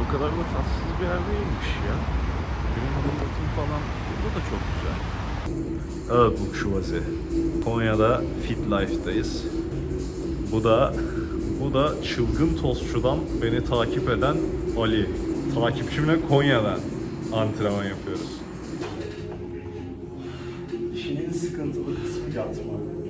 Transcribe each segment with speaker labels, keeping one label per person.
Speaker 1: o kadar da tatsız bir yer değilmiş ya. Benim anlatım falan burada da çok güzel. Evet Bukşuvazi. Konya'da Fit Life'dayız. Bu da çılgın tostçudan beni takip eden Ali. Takipçimle Konya'dan antrenman yapıyoruz.
Speaker 2: İşin en sıkıntılı kısmı yatma.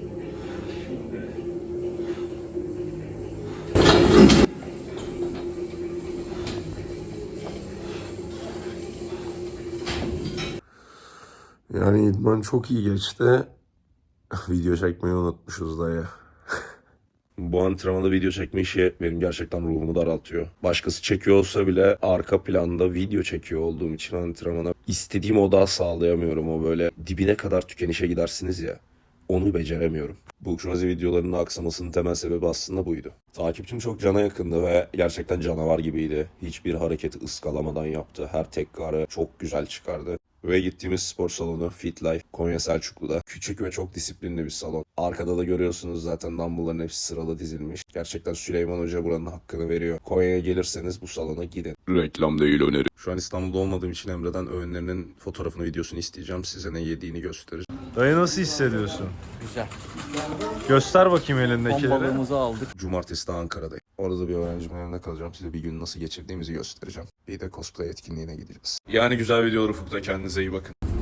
Speaker 3: Yani idman çok iyi geçti. Video çekmeyi unutmuşuz dayı. Bu antrenmanda video çekme işi benim gerçekten ruhumu daraltıyor. Başkası çekiyor olsa bile arka planda video çekiyor olduğum için antrenmana istediğim odağı sağlayamıyorum. O böyle dibine kadar tükenişe gidersiniz ya. Onu beceremiyorum. Bu Şumazi videolarının aksamasının temel sebebi aslında buydu. Takipçim çok cana yakındı ve gerçekten canavar gibiydi. Hiçbir hareketi ıskalamadan yaptı. Her tekrarı çok güzel çıkardı. Ve gittiğimiz spor salonu Fit Life Konya Selçuklu'da. Küçük ve çok disiplinli bir salon. Arkada da görüyorsunuz zaten dumbbell'ların hepsi sıralı dizilmiş. Gerçekten Süleyman Hoca buranın hakkını veriyor. Konya'ya gelirseniz bu salona gidin. Reklam değil öneri. Şu an İstanbul'da olmadığım için Emre'den öğünlerinin fotoğrafını, videosunu isteyeceğim. Size ne yediğini göstereceğim.
Speaker 1: Dayı nasıl hissediyorsun?
Speaker 2: Güzel.
Speaker 1: Göster bakayım
Speaker 2: Ton
Speaker 1: elindekileri.
Speaker 2: balığımızı aldık.
Speaker 3: Cumartesi de Ankara'dayım. Orada bir öğrencimin evinde kalacağım. Size bir gün nasıl geçirdiğimizi göstereceğim. Bir de cosplay etkinliğine gideceğiz. Yani güzel videolar ufukta. Kendinize iyi bakın.